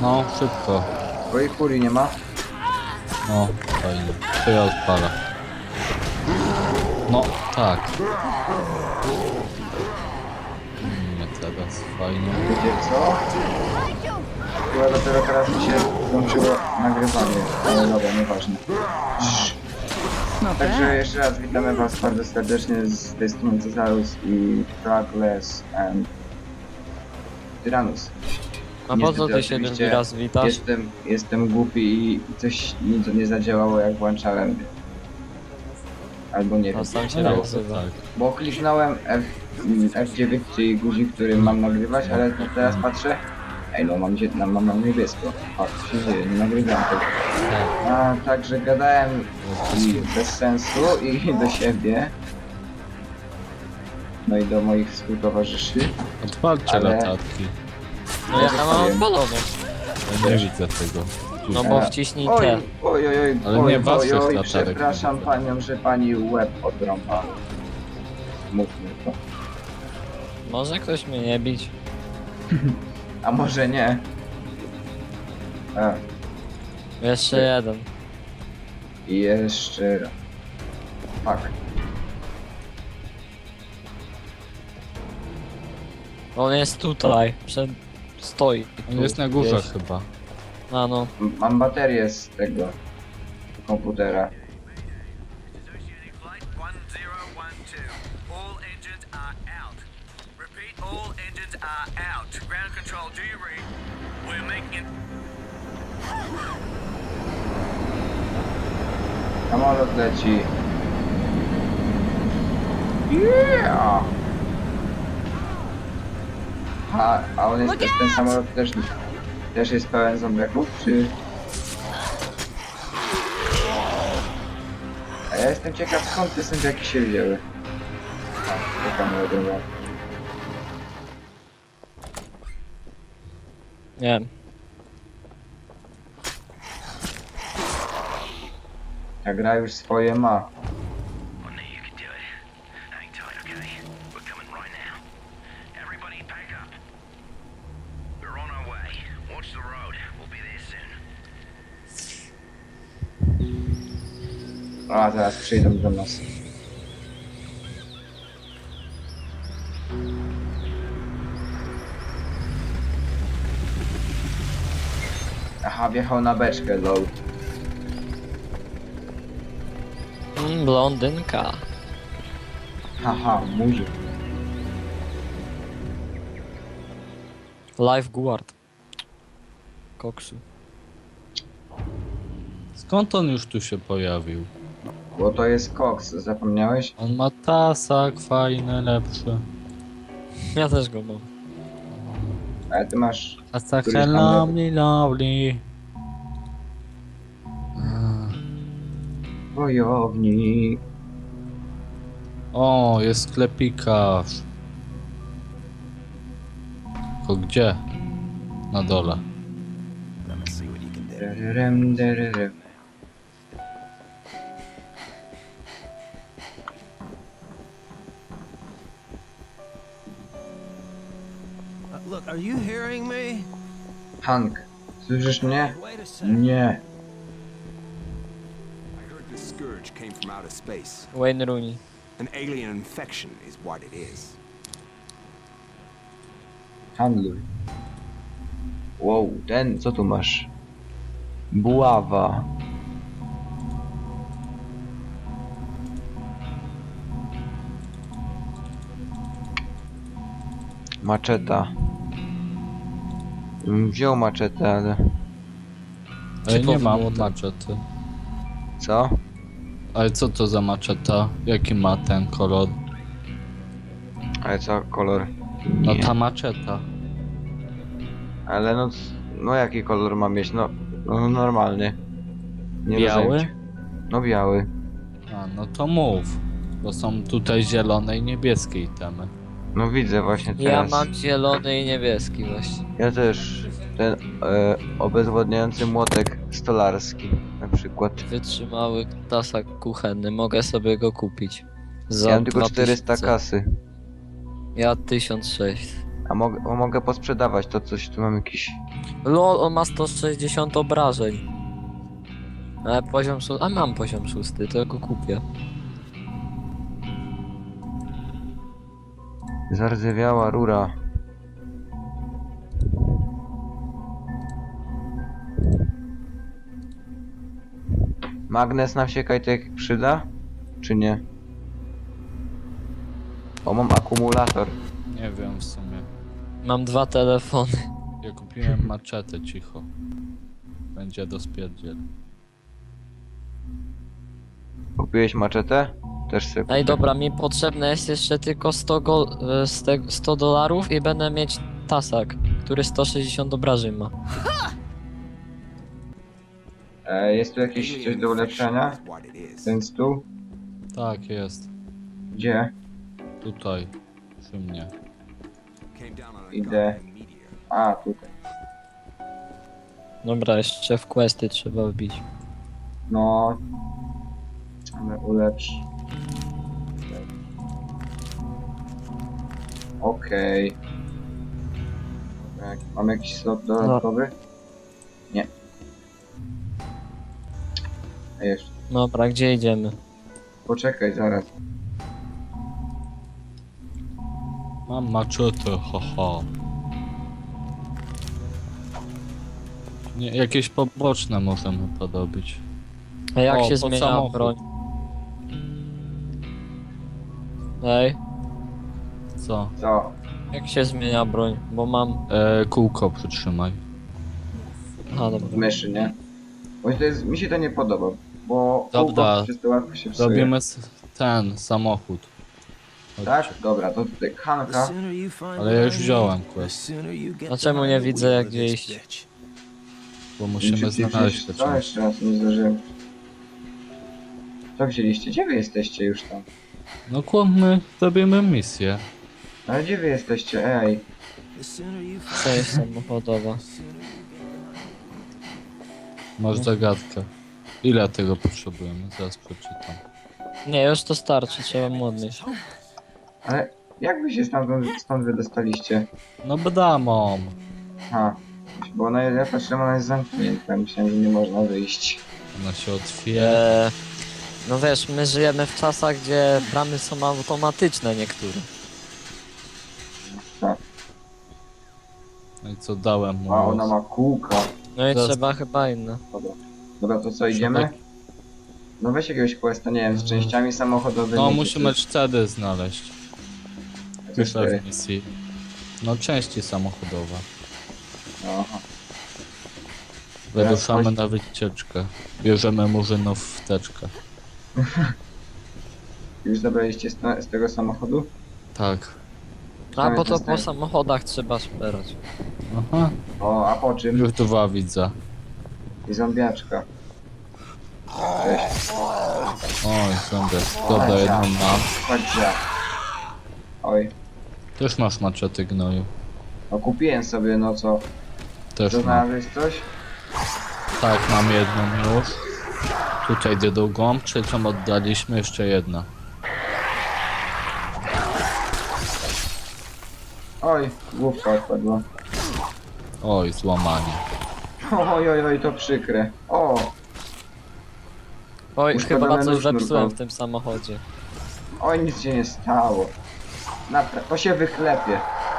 No, szybko. Twojej furii nie ma? No, fajnie. To ja odpalę. No, tak. Nie teraz, fajnie. Wiecie co? Chyba dopiero teraz mi się włączyło nagrywanie, ale dobra, nieważne. Także jeszcze raz witamy was bardzo serdecznie z tej strony Cezarus i Trackless and Tyrannus. A po co Niestety ty się drugi oczywiście raz witasz? Jestem głupi i coś nie zadziałało jak włączałem. Albo nie wiem. A sam się No, tak to wzywa. tak. Bo kliknąłem F9, czyli guzik, który mam nagrywać, ale to teraz patrzę. Ej no, mam niebiesko. O, co się dzieje, nie nagrywam tego. A także gadałem i bez sensu i do siebie. No i do moich współtowarzyszy. Odpalcie Ale- latarki. No ja mam odpaloną. Ja nie widzę tego. No bo wciśnij Oj, te. oj, Ale nie waszych oj, latarek przepraszam nie panią, że pani łeb odrąba. Mówmy to. Może ktoś mnie nie bić? A może nie? A, Jeszcze jeden. i jeszcze raz. Fuck. On jest tutaj. Stoi. On tu, jest na górze gdzieś. chyba. A no. Mam baterię z tego komputera. Associating flight 1012. All engines are out. Repeat, all engines are out. Ground control, do you read? We're making it. Samolot leci. Yeah! A on jest też, ten samolot też jest pełen zombiaków, czy... A ja jestem ciekaw, skąd te zombiaki się wzięły. A, czekam na drugą. Nie wiem. Ta gra już swoje ma. I knew you could do it. Hang tight, okay? We're coming right now. Everybody pack up. We're on our way. Watch the road. We'll be there soon. A, zaraz przyjdą do nas. Aha, wjechał na beczkę, lol. Blondynka. Haha, murzy. Lifeguard. Koksu. Skąd on już tu się pojawił? Bo to jest koks, zapomniałeś? On ma tasak fajny, lepszy. Ja też go mam. Ale ty masz... Tasak Który jest tam lovely, lovely. Wojownik. O, jest sklepikarz. Tylko gdzie? Na dole. Dererem, dererem. Look, are you hearing me? Hank, słyszysz mnie? Wait a sec. Nie. I heard this scourge came from outer space. Wayne Rooney. An alien infection is what it is. Handluj. Wow, ten, co tu masz? Buława. Maczeta. Wziął maczetę, ale... Ale nie Typowy mam młotek. maczety. Co? Ale co to za maczeta? Jaki ma ten kolor? Ale co, kolor? No Nie. ta maczeta. Ale no... No jaki kolor ma mieć? No normalny. Nie Biały? rozumiem cię. No biały. A, no to mów. Bo są tutaj zielone i niebieskie itemy. No widzę właśnie Ja teraz. mam zielony i niebieski właśnie. Ja też. Ten obezwładniający młotek stolarski na przykład. Wytrzymały tasak kuchenny. Mogę sobie go kupić. Za Ja mam tylko 2000. 400 kasy. Ja 1600. A mogę posprzedawać to coś, tu mam jakiś Lol, on ma 160 obrażeń. Ale poziom 6... A mam poziom 6, tylko kupię. Zardzewiała rura. Magnes na wsiekaj tak przyda? Czy nie? O, mam akumulator. Nie wiem w sumie. Mam 2 telefony. Ja kupiłem maczetę, cicho. Będzie do spierdziel. Kupiłeś maczetę? Też sobie Ej, dobra, mi potrzebne jest jeszcze tylko 100 dolarów i będę mieć tasak, który 160 obrażeń ma. Jest tu jakieś coś do ulepszenia? Is what it is. Ten stół? Tak, jest. Gdzie? Tutaj. Przy mnie. Came down on a Idę. goddamn meteor. A, tutaj. Dobra, jeszcze w questy trzeba wbić. No. Ale ulepsz. Okej. Dobra, mam jakiś slot dodatkowy? Nie. A jeszcze. Dobra, gdzie idziemy? Poczekaj, zaraz. Mam maczetę, haha. Nie, jakieś poboczne możemy podobić. A jak O, się pod zmienia samochód. broń? Ej, Co? Co? jak się zmienia broń? Bo mam... Kółko przytrzymaj. A, dobra. Myszy, nie? Bo to jest, mi się to nie podoba, bo Dobra. kółko przez to łatwo się psuje. Robimy ten samochód. Chodź. Tak? Dobra, to tutaj The Hanka. sooner you find Ale ja już what I wziąłem need, the quest. sooner you get A czemu behind nie the widzę, wheel jak of gdzie this iść? bitch. Bo musimy znaleźć te Co części. jeszcze raz nie zdążyłem. Co wzięliście? Gdzie wy jesteście już tam? No kłammy, robimy misję. Ale gdzie wy jesteście? Ej. The sooner you Co jest samochodowa? Masz zagadkę. Ile tego potrzebujemy? Zaraz przeczytam. Nie, już to starczy, trzeba mu odnieść. Ale jak wy się stąd wydostaliście? No bramą. Ha. Bo ona, ja patrzę, ona jest zamknięta. Myślałem, że nie można wyjść. Ona się otwiera. No wiesz, my żyjemy w czasach, gdzie bramy są automatyczne niektóre. Tak. No i co dałem mu? A ona ma kółka. No i Zaraz- trzeba chyba inne. Dobra. Dobra, to co, idziemy? No weź jakiegoś questa, nie wiem, z częściami samochodowymi. No czy musimy coś. 4 znaleźć. Co Piszę cztery? w misji. No części samochodowe. Aha. Wyruszamy chodź. na wycieczkę. Bierzemy murzynów w teczkę. Już zabraliście z tego samochodu? Tak. A Tam bo jest to po następny. samochodach trzeba szperać. Aha. O, a po czym? Już 2 widzę. I zombiaczka. Cześć. Oj, sądzę. Dobra, jedną mam. Chodź za. Oj. Też masz maczety gnoju. No kupiłem sobie, no co? Też To mam. znalazłeś coś? Tak, mam jedną już. Tutaj drugą, trzecią oddaliśmy, jeszcze jedna. Oj, główka odpadła. Oj, złamanie. Oj, to przykre. O, Oj, Uszkodzony chyba coś nóż zepsułem nurkowy. w tym samochodzie. oj, nic się nie stało. To się wyklepie.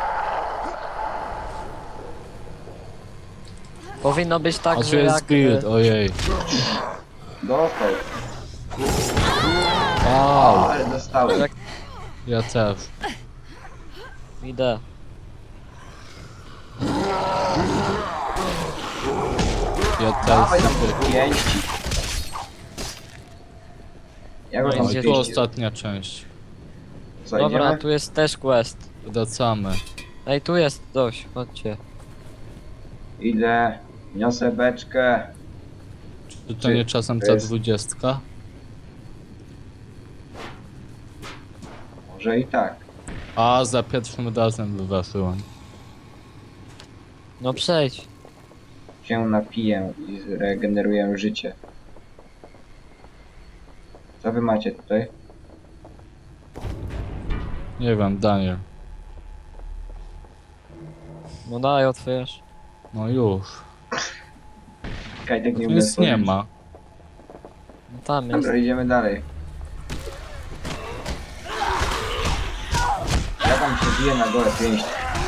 Powinno być A tak, tu że jest jak... build, ojej. Dostał. Wow, Ale dostałem. Jak- ja też. Idę. Ja Dawaj też. nam te pięści. Ja go No tam idzie- Oj, tu pięści. ostatnia część. Co, Dobra, idziemy? tu jest też quest. Wracamy. Ej, tu jest coś, chodźcie. Idę. Niosę beczkę. Czy to nie czasem to ta jest- 20? Może i tak. A, za pierwszym razem wyważyłem. No przejdź. Się napiję i zregeneruję życie. Co wy macie tutaj? Nie wiem, Daniel. No daj, otwierz. No już. Kajtek nie Tu umie nic nie otworzyć. ma. No tam jest. Dobra, idziemy dalej. Ja tam się biję na gole pięść.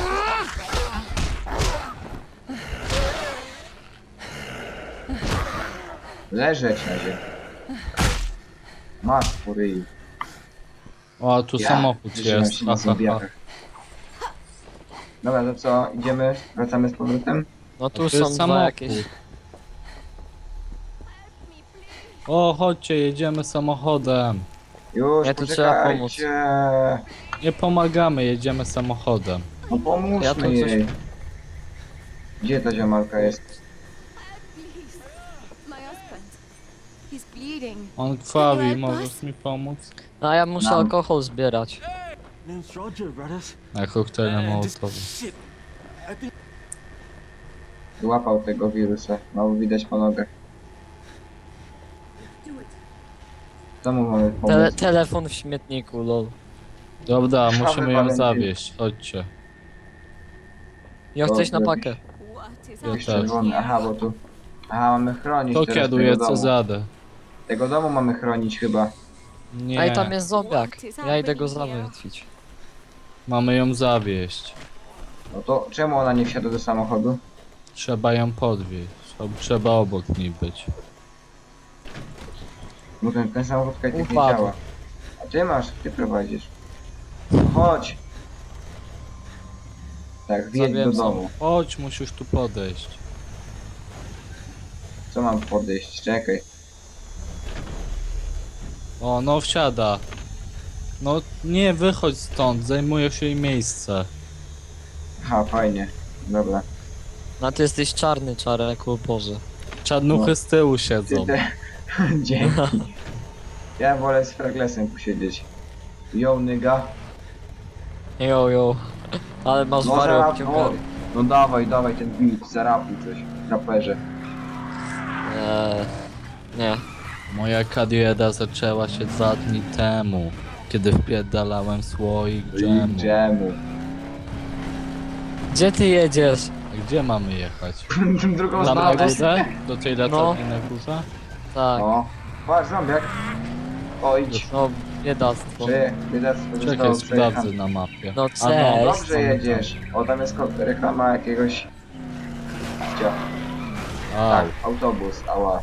Leżeć na ziemi. Masz po ryju. O, a tu samochód wyżynam jest. się na Ha, ha, ha. zombiakach. Dobra, to co? Idziemy? Wracamy z powrotem? No tu To są jest dwa samochód. jakieś. O, chodźcie, jedziemy samochodem. Już, Nie, tu trzeba pomóc. poczekajcie. Nie pomagamy, jedziemy samochodem. No pomóżmy Ja tu coś- jej. Gdzie ta ziomalka jest? Please. My husband. He's bleeding. On krwawi, help możesz us? mi pomóc? A ja muszę Mam. alkohol zbierać. Name's Roger, brothers. Na koktajle Just mołotowe. shit. I think Złapał tego wirusa. No widać po nogach. Co mu mamy pomóc? Telefon w śmietniku, lol. Dobra, Szafy musimy ją Walentyny. zawieść, chodźcie. Ja chcesz na Dobra. pakę. what is Ja Jakiś też. czerwony. Aha, bo tu... Aha, mamy chronić To teraz kieruje tego domu. Cezadę. Tego domu mamy chronić chyba. Nie, Ej, tam jest zombiak. Ja idę go załatwić. mamy ją zawieść. No to czemu ona nie wsiada do samochodu? Trzeba ją podwieźć. Trzeba obok niej być. No ten samochód kajtek nie Upadł. działa. A ty masz, ty prowadzisz. Chodź! Tak, wjedź do Zabiłem domu. Chodź, musisz tu podejść. Co mam podejść? Czekaj. O, no wsiada. No nie, wychodź stąd, zajmujesz jej miejsce. Aha, fajnie. Dobra. No ty jesteś czarny, Czarek, o Boże. Czarnuchy No. z tyłu Ty siedzą. te... Dzięki. Ja wolę z Fraglesem posiedzieć. Yo, nigga. Jo. Ale masz No, wary zarap- obciągany. no dawaj ten beat, zarapuj coś. Raperze. Nie. Moja kariera zaczęła się 2 dni temu, kiedy wpierdalałem słoik dżemu. Dżemu. Gdzie ty jedziesz? A gdzie mamy jechać? Drugą Tam na stronę. górze? Do tej latarni na górze? Tak. O, patrz, zombiak. O, idź. No, biedactwo. Czy biedactwo Czekaj, zostało sprawdzę przejechane. na mapie. No A cześć. Dobrze jedziesz. O, tam jest reklama jakiegoś... Gdzie? Au, Tak, autobus, ała.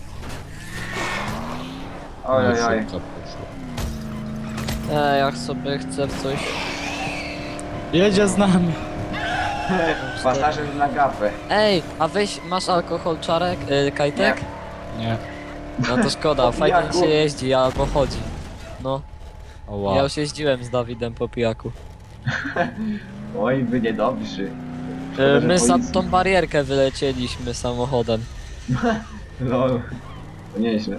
Oj, no oj, oj. szybko poszło. Jak sobie chcę w coś... Jedzie z nami. Pasażer na gapę. Ej, a weź, masz alkohol, Czarek? Kajtek? Nie. No to szkoda, Po fajnie pijaku. się jeździ albo chodzi. No, Oła. ja już jeździłem z Dawidem po pijaku. Oj, wy niedobrzy. Szkoda, że My za policji- tą barierkę wylecieliśmy samochodem. Lol. To nieźle.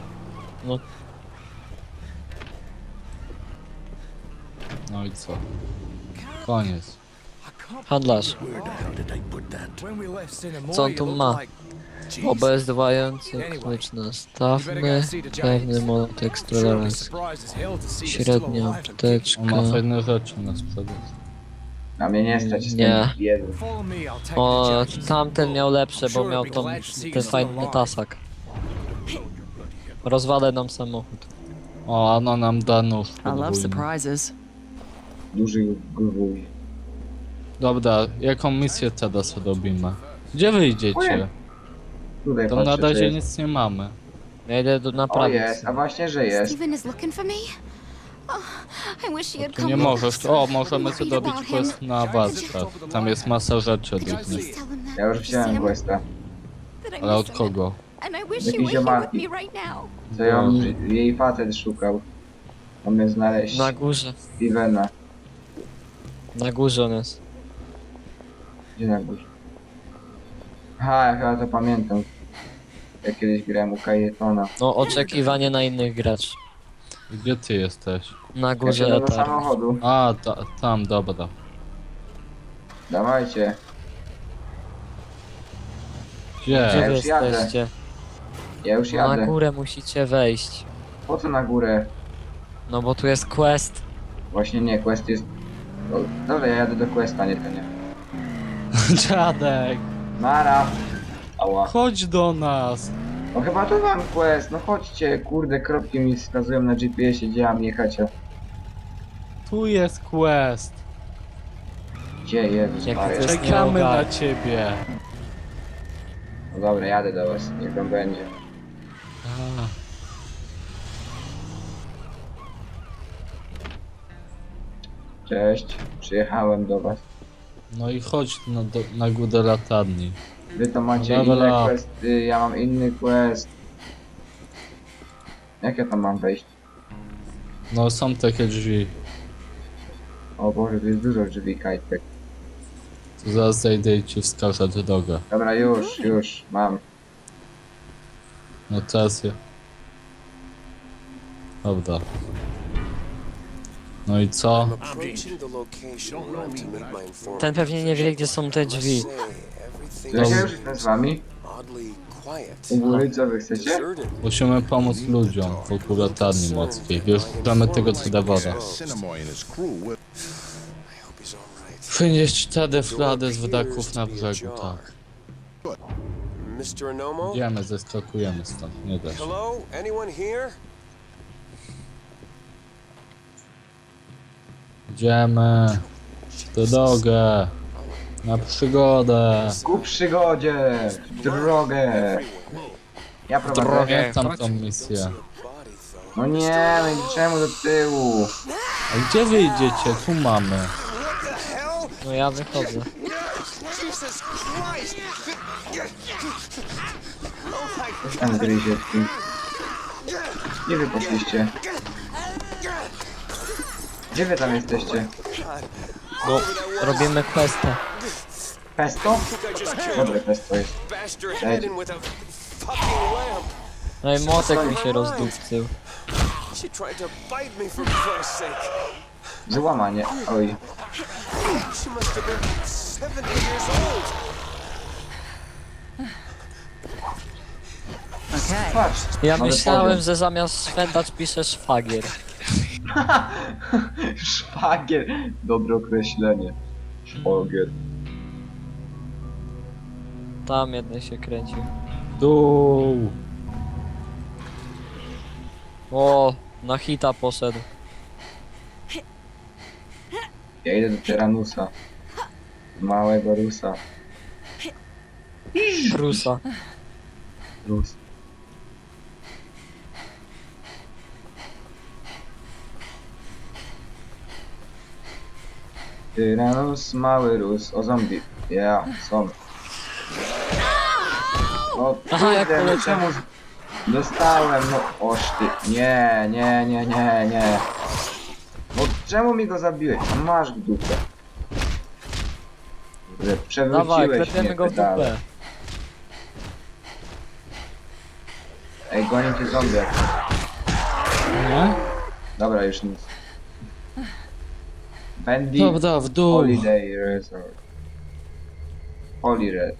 No i co? Koniec. Handlarz. When we left Cinnamore, Co on you tu looked ma? like... Jesus. Obezwładający Anyway, klucz you better nastawny, go see the pewny James. monotekst Sure, I'll be tolerancji, surprised as hell to see you still średnia alive and apteczka. On ma fajne rzeczy na sprzedaż. Na mnie nie stać, jestem Nie. biedny. kicking. Follow me, I'll take you to O, James. tamten miał lepsze, bo Sure, miał I'll be tą, glad to see ten you fajny still alive. tasak. Rozwalę nam samochód. O, ono nam da nóż I love podwójny. surprises. Duży gwój. Dobra, jaką misję teraz robimy? Gdzie wyjdziecie? Ojej. Tutaj Tam na patrzę, czy razie jest. nic nie mamy. Ja idę do O, naprawić. jest, a właśnie, że jest. Steven is looking for me. Oh, I wish he had Tu come nie with możesz. us. O, możemy I'm sobie worried robić about him. quest na warsztat. Tam jest masa rzeczy Could you różnych. please tell him that? Ja już wziąłem Sam, questa. that I Ale miss od him. kogo? And I wish Jakiś you were here ziomalki. with me right now. Co ją, Mm. jej facet szukał. Mamy znaleźć Na górze. Stevena. Na górze on jest. Gdzie na górze? Aha, ja chyba to pamiętam. Jak kiedyś grałem u Kajetona. No, oczekiwanie na innych graczy. Gdzie ty jesteś? Na Ja górze siadam do etar. samochodu. A, tam, dobra. Dawajcie. Gdzie Gdzie? Ja wy już jadę. jesteście? Ja już No, na jadę. górę musicie wejść. Po co na górę? No bo tu jest quest. Właśnie nie, quest jest... O, dobra, ja jadę do questa, nie to nie. Dziadek! Mara! Ała. Chodź do nas. No chyba to wam quest, no chodźcie, kurde, kropki mi wskazują na GPS-ie, gdzie mam jechać, a Tu jest quest. gdzie Jezus Jak Maria. to jest Czekamy nie na ogarnia. ciebie. No dobra, jadę do was, niech wam będzie. A, Cześć, przyjechałem do was. no i chodź na górę latarni. Wy to macie Level inne up. questy, ja mam inny quest. Jak ja tam mam wejść? No są takie drzwi. O Boże, tu jest dużo drzwi, kajtek. Tu zaraz zejdę i ci wskażę drogę. Dobra, już, mam. No teraz je. Dobra. No i co? Approaching the location where I'm to meet my informant. Ten pewnie nie wie, gdzie są te drzwi. Say, everything To jak ja Dobra. już jestem z wami? oddly quiet. U góry, co wy chcecie? Deserted. Musimy pomóc ludziom wokół latarni morskiej. Bierzemy tego cydawora. Cinnamoy and his crew will. I hope he's alright. Wynieść cztery flady z wydaków na brzegu, tak. Mr. Anomo? Idziemy, zeskakujemy stąd, nie da się. Hello? Anyone here? Idziemy. Do drogę. Na przygodę. Ku przygodzie, w drogę. Ja prowadzę. Pamiętam tą misję. Body though. No nie, no i czemu do tyłu? A gdzie wy idziecie? Tu mamy. No ja wychodzę. Jesus Christ! Coś tam gryzie w tym. Gdzie wy poszliście? Gdzie wy tam jesteście? No, robimy questa. Pesto? I just killed Dobre pesto jest. bashed her head in with a fucking lamp. No i młotek mi się rozdupcył. She tried to bite me for Christ's sake. Złamanie, oj. She must have been 70 years old. Patrz. Ja ale myślałem, powiem. że zamiast szwendacz pisze szwagier. Szwagier. Dobre określenie. Szwagier. Tam jeden się kręcił. Dół. O, na hita poszedł. Ja idę do Tyranusa. Małego Rusa. Rusa. Rus. Tyranus, mały Rus. O zombie. Ja, są. O Aha, jak kurde, no poleciał. czemu... Dostałem, no oż ty. Nie. No czemu mi go zabiłeś? No masz w dupę. Kurde, Dawaj, przewróciłeś klepiemy mnie go w pedale. dupę. Ej, gonię cię zombie. Nie? Dobra, już nic. Bendy Dobra, w dół. Holiday Resort. Holiday?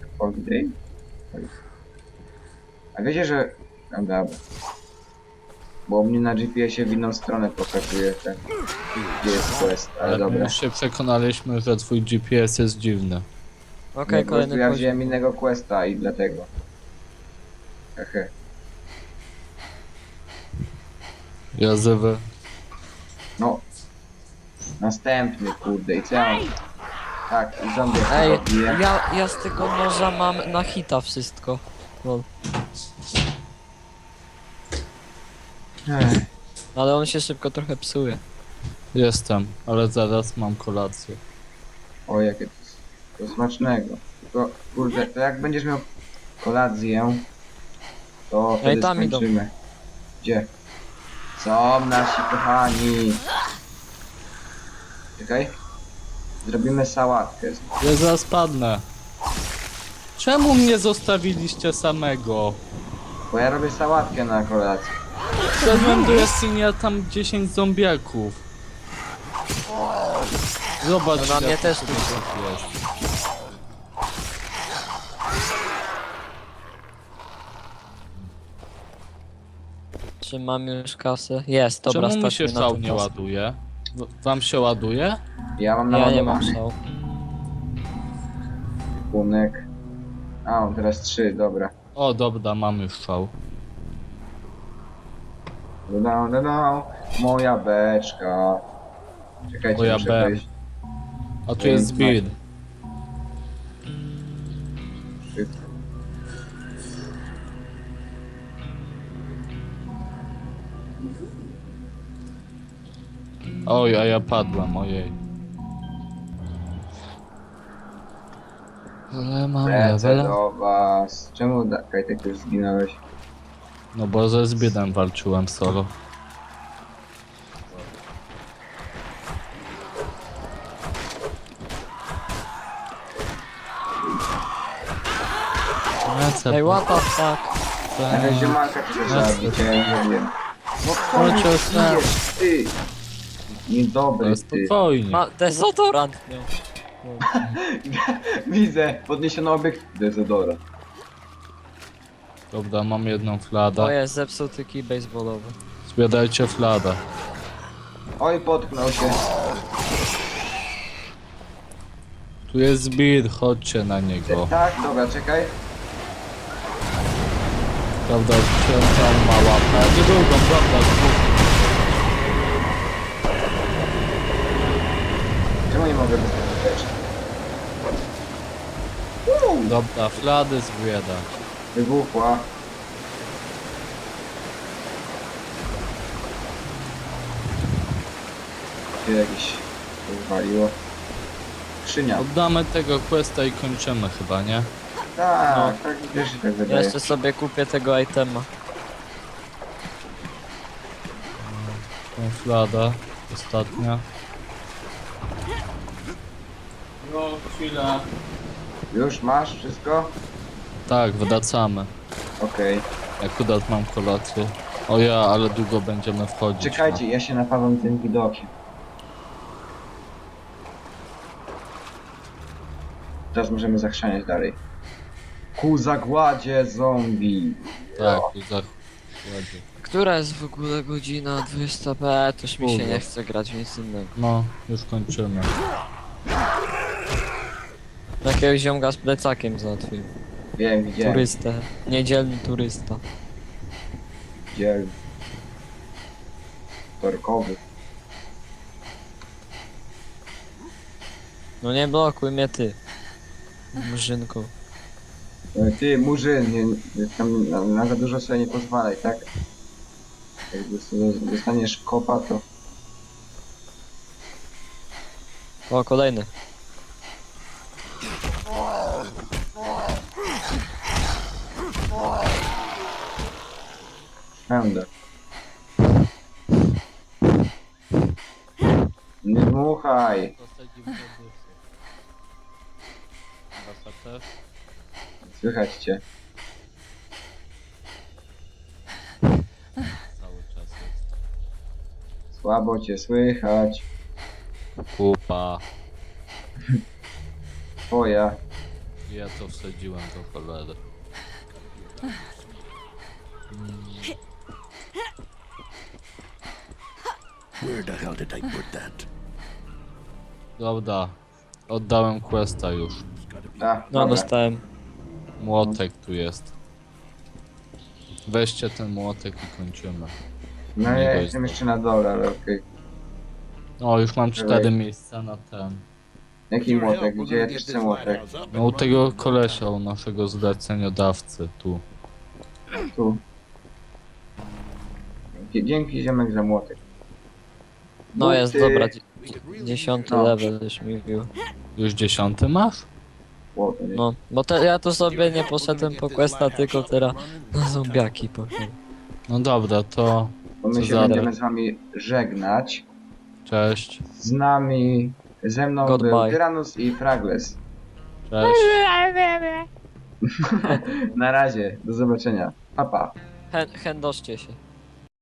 A wiecie, że... No dobra. Bo mnie na GPS-ie w inną stronę pokazuje ten... Gdzie jest quest, ale Ale my dobra. już się przekonaliśmy, że twój GPS jest dziwny. Okej, Po prostu kolejny ja poziom. wziąłem innego questa i dlatego. Hehe. Jazywy. No. Następny, kurde, i co ja mam? Tak, i zombie Ej, robię. ja z tego noża mam na hita wszystko. Lol. Ech, Ale on się szybko trochę psuje. Jestem, ale zaraz mam kolację. O, jakie to smacznego. Tylko, kurde, to jak będziesz miał kolację, to wtedy tam idą. skończymy. Gdzie? Są nasi kochani. Czekaj. Zrobimy sałatkę. Ja zaraz padnę. Czemu mnie zostawiliście samego? Bo ja robię sałatkę na kolację. Wszedłem do jaskini, a tam 10 zombiaków. Zobacz, No na mnie jak też tu tu jest. Czy mam już kasę? Jest, dobra, Czemu mi się stać na szał tą nie kasę. ładuje? Wam się ładuje? Ja mam Ja nie mam naładowany szału. punek. A, on teraz 3, dobra. O, dobra, mam już szał. No, moja beczka. Czekajcie, Moja muszę B. wejść. A tu jest speed. Oj, a ja padłem, ojej. Ale mam Lecę level. do was. Czemu Kajtek już zginąłeś? No bo ze Zbidem walczyłem solo. Lecę, Ej, what the fuck? Jakaś ziomalka chce zabić, ja ją zabiję. No kto mnie Chodź, bijesz, ty? Niedobry ty. spokojnie. Ma dezodorant miał. Widzę, podniesiono obiekt dezodora. Dobra, mam jedną O fladę. jest, zepsuty kij baseballowy. Zbierajcie fladę. Oj, potknął się. Tu jest Zbid, chodźcie na niego. Tak, dobra, czekaj. Prawda, on ma łapę. Nie drugą, prawda, dwóch. Czemu nie mogę bezpiecznie? Dobra, flady zbiera. Wybuchła. Tu jakieś wywaliło. Skrzynia. Oddamy tego questa i kończymy chyba, nie? Tak, tak wiesz, że tak Ja wydaje. jeszcze sobie kupię tego itema. Tą fladę, ostatnia. No, chwila. Już masz wszystko? Tak, wracamy. Okej. Akurat mam kolację. O ja, ale długo będziemy wchodzić. Czekajcie, ja się napalam tym widokiem. Teraz możemy zachrzaniać dalej. Ku zagładzie zombie. Tak, i za... ładnie. Która jest w ogóle godzina 20p? Toż mi się Kurwa. nie chce grać w nic innego. No, już kończymy. Jakiegoś ziomka z plecakiem załatwiłem. Wiem, widziałem. Turystę. Niedzielny turysta. Widziałem. Torkowy. No nie blokuj mnie ty. Murzynku. Ty, murzyn, tam na za dużo sobie nie pozwalaj, tak? Jak dostaniesz kopa, to... O, kolejny. Pędę. Nie dmuchaj! Słychać cię. Cały czas jest. Słabo cię słychać. Kupa. Twoja. Ja to wsadziłem do cholery. Where the hell did I put that? Dobra, oddałem questa już. A, No dobra. dostałem. Młotek tu jest. Weźcie ten młotek i kończymy. No Nie ja go jestem jest. jeszcze na dole, ale okej. O, już mam 4 Dawaj. miejsca na ten. Jaki młotek? Gdzie ja też chcę młotek? No u tego kolesia, u naszego zleceniodawcy, tu. Tu. Dzięki ziomek za młotek. No jest, Buty. dobra. 10 No. level już mi wbił. Już 10 masz? Ło, to nie- No, bo ja tu sobie nie poszedłem po questa, tylko teraz na zombiaki poszedłem. No dobra, to Bo my co się za będziemy z wami żegnać. cześć. Z nami, ze mną był Goodbye. Tyrannus i Fragles. Cześć. Na razie, do zobaczenia. Pa, pa. Chędoszcie się.